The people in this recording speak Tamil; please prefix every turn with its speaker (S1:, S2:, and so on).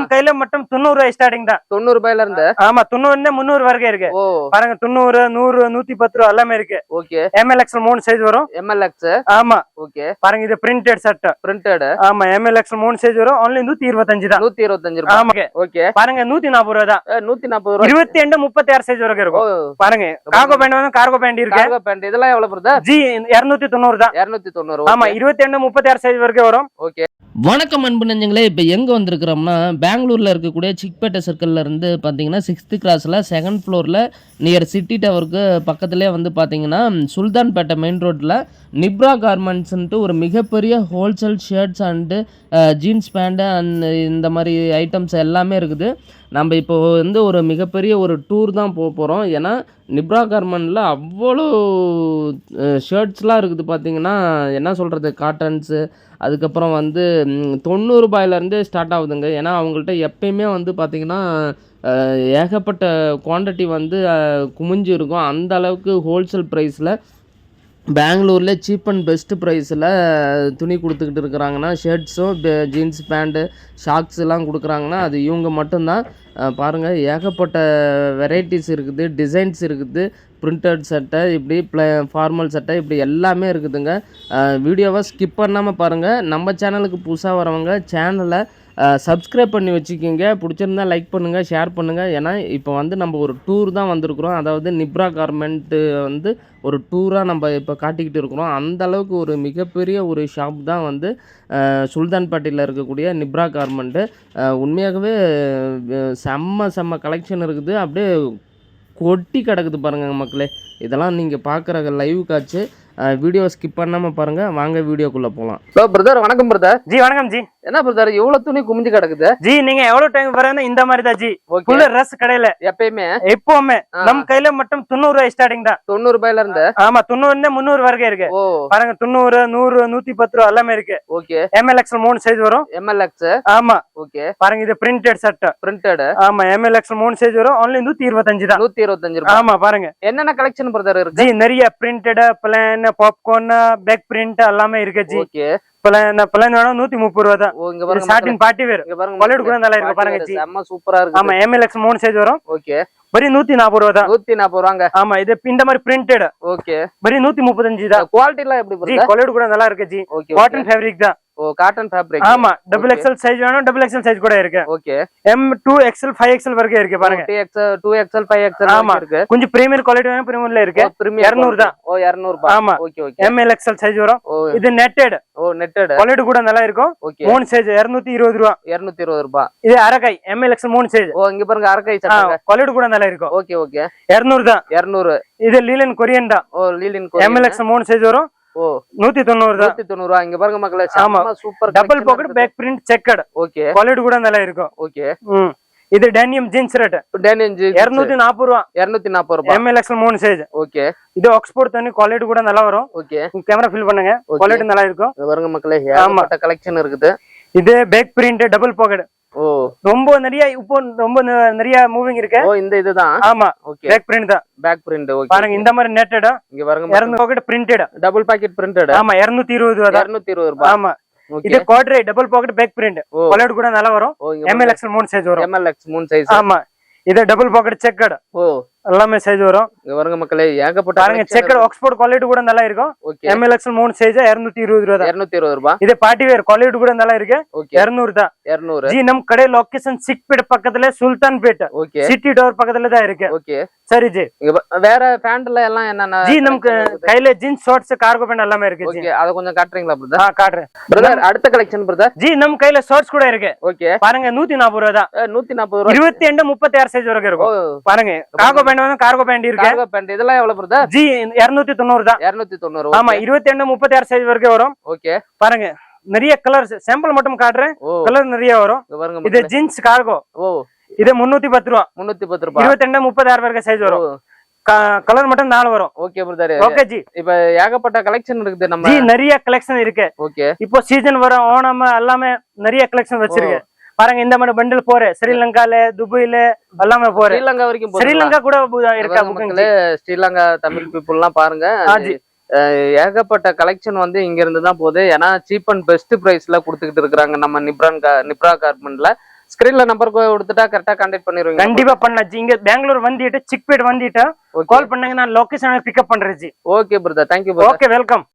S1: கையில மட்டும் 90 ரூபாய் ஸ்டார்டிங் தான்.
S2: 90 ரூபாயில இருந்து.
S1: ஆமா 90 300 வரைக்கும் இருக்கு. பாருங்க 90 100 110 ரூபாய் எல்லாமே இருக்கு.
S2: ஓகே.
S1: MLX 3 சைஸ் வரும்.
S2: MLX.
S1: ஆமா.
S2: ஓகே.
S1: பாருங்க இது பிரிண்டட் ஷர்ட்.
S2: பிரிண்டட்.
S1: ஆமா MLX 3 சைஸ் வரும். only 125 தான்.
S2: 125 ரூபாய்.
S1: ஆமா.
S2: ஓகே.
S1: பாருங்க 140 ரூபாய் தான்.
S2: 140 ரூபாய்.
S1: 22 36 சைஸ் வரைக்கும் இருக்கும். பாருங்க கார்கோ பேண்ட் வந்து கார்கோ பேண்ட் இருக்கு.
S2: கார்கோ பேண்ட் இதெல்லாம் எவ்வளவு பிரதர்?
S1: ஜி 290 தான்.
S2: 290.
S1: ஆமா 22 36 சைஸ் வரைக்கும் வரும்.
S2: ஓகே.
S3: வணக்கம் அன்பு நெஞ்சங்களே, இப்போ எங்கே வந்திருக்கிறோம்னா பெங்களூரில் இருக்கக்கூடிய சிக்பேட்டை சர்க்கிளில் இருந்து பார்த்தீங்கன்னா 6th கிராஸில் 2nd ஃப்ளோரில் நியர் சிட்டி டவருக்கு பக்கத்துலேயே வந்து பார்த்தீங்கன்னா சுல்தான்பேட்டை மெயின் ரோட்டில் நிப்ரா கார்மெண்ட்ஸ்ன்ட்டு ஒரு மிகப்பெரிய wholesale shirts and jeans pant and இந்த மாதிரி ஐட்டம்ஸ் எல்லாமே இருக்குது. நம்ம இப்போ வந்து ஒரு மிகப்பெரிய ஒரு டூர் தான் போக போகிறோம். ஏன்னா நிப்ரா கார்மெண்ட்டில் அவ்வளோ ஷர்ட்ஸ்லாம் இருக்குது. பார்த்தீங்கன்னா என்ன சொல்கிறது, காட்டன்ஸு, அதுக்கப்புறம் வந்து 90 ரூபாயிலேருந்து ஸ்டார்ட் ஆகுதுங்க. ஏன்னா அவங்கள்ட்ட எப்பயுமே வந்து பார்த்திங்கன்னா ஏகப்பட்ட குவான்டிட்டி வந்து குமிஞ்சு இருக்கும். அந்த அளவுக்கு ஹோல்சேல் ப்ரைஸில் பெங்களூரில் சீப் அண்ட் பெஸ்ட் ப்ரைஸில் துணி கொடுத்துக்கிட்டு இருக்கிறாங்கன்னா, ஷர்ட்ஸும் ஜீன்ஸ் பேண்ட்டு ஷாக்ஸ்லாம் கொடுக்குறாங்கன்னா அது இவங்க மட்டும்தான். பாருங்கள் ஏகப்பட்ட வெரைட்டிஸ் இருக்குது, டிசைன்ஸ் இருக்குது, பிரிண்டட் சட்டை, இப்படி ஃபார்மல் சட்டை, இப்படி எல்லாமே இருக்குதுங்க. வீடியோவை ஸ்கிப் பண்ணாமல் பாருங்கள். நம்ம சேனலுக்கு புதுசாக வரவங்க சேனலை சப்ஸ்கிரைப் பண்ணி வச்சுக்கிங்க. பிடிச்சிருந்தா லைக் பண்ணுங்கள், ஷேர் பண்ணுங்கள். ஏன்னா இப்போ வந்து நம்ம ஒரு டூர் தான் வந்திருக்கிறோம். அதாவது நிப்ரா கார்மெண்ட்டு வந்து ஒரு டூராக நம்ம இப்போ காட்டிக்கிட்டு இருக்கிறோம். அந்த அளவுக்கு ஒரு மிகப்பெரிய ஒரு ஷாப் தான் வந்து சுல்தான்பேட்டையில் இருக்கக்கூடிய நிப்ரா கார்மெண்ட்டு. உண்மையாகவே செம்ம கலெக்ஷன் இருக்குது. அப்படியே கொட்டி கிடக்குது பாருங்கள் மக்களே. இதெல்லாம் நீங்கள் பார்க்குற லைவ் காட்சி. வீடியோ ஸ்கிப் பண்ணாமல் பாருங்கள். வாங்க வீடியோக்குள்ளே போகலாம்.
S2: ஹலோ பிரதர், வணக்கம் பிரதர்.
S1: ஜி வணக்கம் ஜி.
S2: என்ன பிரதர் இவ்வளவு துணி குமிஞ்சு கிடக்குது?
S1: ஜி நீங்க எவ்வளவு டைம் வரீங்க இந்த மாதிரி தான் ஜி. ஃபுல் ரஸ் கடையில எப்பவுமே நம்ம கையில மட்டும் 90 ரூபாய் ஸ்டார்டிங் தான்.
S2: 90 ரூபாயில இருந்து.
S1: ஆமா 90 300 வரைக்கும் இருக்கு. பாருங்க 90 100 110 ரூபாய் எல்லாமே இருக்கு. ஓகே. MLX 3 சைஸ் வரும்.
S2: MLX.
S1: ஆமா.
S2: ஓகே.
S1: பாருங்க இது பிரிண்டட் ஷர்ட்.
S2: பிரிண்டட்.
S1: ஆமா MLX 3 சைஸ் வரும். only 125 தான்.
S2: 125 ரூபாய்.
S1: ஆமா பாருங்க
S2: என்னென்ன கலெக்ஷன் பிரதர் இருக்கு?
S1: ஜி நிறைய printed, plain, popcorn, back print எல்லாமே இருக்கு ஜி.
S2: ஓகே.
S1: பிளான் வேணும் 130 ரூபாய் தான்.
S2: இங்க பாருங்க
S1: ஸ்டார்டிங் பார்ட்டி வேர். குவாலிட்டி கூட நல்லா இருக்கு பாருங்க ஜி.
S2: செம்ம சூப்பரா இருக்கு.
S1: ஆமா MLX 3 சைஸ் வரும்.
S2: ஓகே.
S1: பரி 140 ரூபாய் தான்.
S2: 140 ரூபாங்க.
S1: ஆமா இது இந்த மாதிரி பிரிண்டட்.
S2: ஓகே.
S1: பரி 135 தான்.
S2: குவாலிட்டி எல்லாம் எப்படி
S1: ஜி? குவாலிட்டி கூட நல்லா இருக்கு ஜி. காட்டன் ஃபேப்ரிக் தான்.
S2: Cotton fabric.
S1: ஆமா XXL சைஸ் வேணும், XXL சைஸ் கூட இருக்கு.
S2: ஓகே.
S1: M2XL 5XL வரைக்கும் இருக்கு பாருங்க.
S2: 2XL 5XL
S1: ஆமா இருக்கு. கொஞ்சம் பிரீமியர் குவாலிட்டி வேணும், பிரீமியர்ல இருக்கு. 200 தான்.
S2: 200 ரூபாய்.
S1: ஆமா.
S2: Okay okay.
S1: MLXL சைஸ் வரும். இது நெட்டட்.
S2: நெட்டட்.
S1: குவாலிட்டி கூட நல்லா இருக்கும். 3 சைஸ் 220 ரூபாய்.
S2: 220 ரூபாய்.
S1: இது அரகை MLX 3 சைஸ்.
S2: இங்க பாருங்க அரகை சட்டை.
S1: குவாலிட்டி கூட நல்லா இருக்கும்.
S2: Okay okay.
S1: 200 தான்.
S2: 200.
S1: இது லீலன் கொரியன் தான்.
S2: லீலன் கொரியன்.
S1: MLX 3 சைஸ் வரும். 190 தான்.
S2: 190 ரூபாய். இங்க பாருங்க மக்களே, super
S1: double pocket back print checked.
S2: Okay.
S1: Quality கூட நல்லா இருக்கும்.
S2: ஓகே.
S1: இது denim jeans rate.
S2: Denim jeans
S1: 240 ரூபாய்.
S2: 240 ரூபாய்.
S1: MLX 3 size.
S2: ஓகே.
S1: இது ஆக்ஸ்போர்ட் தண்ணி குவாலிட்டி கூட நல்லா வரும்.
S2: ஓகே.
S1: கேமரா ஃபில் பண்ணுங்க, குவாலிட்டி நல்லா இருக்கும்.
S2: இங்க பாருங்க மக்களே, ஏகப்பட்ட கலெக்ஷன் இருக்குது.
S1: இது பேக் பிரிண்ட் டபுள் பாக்கெட். ரொம்ப நிறைய இப்போ ரொம்ப நிறைய மூவிங் இருக்கு.
S2: இந்த இதுதான்.
S1: ஆமா. பேக் பிரிண்ட் தான்.
S2: Back print. ஓகே.
S1: பாருங்க இந்த மாதிரி நெட்டட்.
S2: இங்க பாருங்க
S1: 200 pocket printed.
S2: Double pocket printed.
S1: ஆமா 220 ரூபாய்.
S2: 220 ரூபாய்.
S1: ஆமா. இது குவாட்ரை double pocket back print. Quality கூட நல்லா வரும். MLX 3 சைஸ் வரும்.
S2: MLX 3 size.
S1: ஆமா. இது டபுள் பாக்கெட் செக்கட். எல்லாமே சைஸ் வரும்.
S2: இங்க பாருங்க மக்களே, ஏகப்பட்ட
S1: பாருங்க செக்கட் ஆக்ஸ்போர்ட் குவாலிட்டி கூட நல்லா இருக்கும். MLX 3 சைஸ் 220 ரூபாய்.
S2: 220 ரூபாய்.
S1: இது பார்ட்டி வேர் குவாலிட்டி கூட நல்லா இருக்கு. 200 தான்.
S2: 200.
S1: ஜி நம்ம கடை லொகேஷன் சிக்பேட் பக்கத்துல சுல்தான்பேட்.
S2: ஓகே.
S1: சிட்டி டவர் பக்கத்துல தான் இருக்கு.
S2: ஓகே.
S1: சரி ஜி.
S2: வேற பேண்ட்ல எல்லாம் என்னன்னா
S1: ஜி நமக்கு கையில ஜீன்ஸ் ஷார்ட்ஸ் கார்கோ பேண்ட் எல்லாமே இருக்கு.
S2: ஓகே. அத கொஞ்சம் காட்றீங்களா பிரதர்?
S1: காட்றேன்
S2: பிரதர். அடுத்த கலெக்ஷன் பிரதர்.
S1: ஜி நம்ம கையில ஷார்ட்ஸ் கூட இருக்கு.
S2: ஓகே.
S1: பாருங்க 140 ரூபாய் தான்.
S2: 140 ரூபாய்.
S1: 22 36 சைஸ் வரைக்கும் இருக்கும். பாருங்க கார்கோ பேண்ட் வந்து கார்கோ பேண்ட் இருக்கு.
S2: கார்கோ பேண்ட் இதெல்லாம் எவ்வளவு பிரதர்?
S1: ஜி 290 தான்.
S2: 290.
S1: ஆமா 22 36 சைஸ் வரைக்கும் வரும்.
S2: ஓகே.
S1: பாருங்க நிறைய கலர்ஸ் சாம்பிள் மட்டும் காட்றேன். கலர் நிறைய வரும். இது ஜீன்ஸ் கார்கோ. இது 310 ரூபாய். 310 ரூபாய். 22 36 வரைக்கும் சைஸ் வரும். கலர் மட்டும் 4 வரும்.
S2: Okay brother.
S1: ஓகே ஜி.
S2: இப்ப ஏகப்பட்ட கலெக்ஷன் இருக்குது நம்ம.
S1: ஜி நிறைய கலெக்ஷன் இருக்கு.
S2: ஓகே.
S1: இப்போ சீசன் வர ஓணம் எல்லாமே நிறைய கலெக்ஷன் வச்சிருக்கு. பாருங்க இந்த மாதிரி பண்டில் போற ஸ்ரீலங்கால துபாயில எல்லாமே போற.
S2: ஸ்ரீலங்கா வரைக்கும்
S1: ஸ்ரீலங்கா கூட இருக்கா புக்கிங்.
S2: ஸ்ரீலங்கா தமிழ் பீப்புள் எல்லாம் பாருங்க. ஏகப்பட்ட கலெக்ஷன் வந்து இங்க இருந்து தான் போகுது. ஏன்னா சீப் அண்ட் பெஸ்ட் பிரைஸ்ல கொடுத்துக்கிட்டு இருக்காங்க நம்ம நிப்ரா கார்மெண்ட்ல. ஸ்கிரீன்ல நம்பர் கொடுத்துட்டா கரெக்டா கான்டாக்ட் பண்ணிடுவீங்க?
S1: கண்டிப்பா பண்ணலாம் ஜி. இங்க பெங்களூர் வந்துட்டு சிக்பேட் வந்துட்டு கால் பண்ணாங்க, நான் லொகேஷன் பிக்கப் பண்றேன் ஜி.
S2: Okay brother, thank you.
S1: Okay, welcome.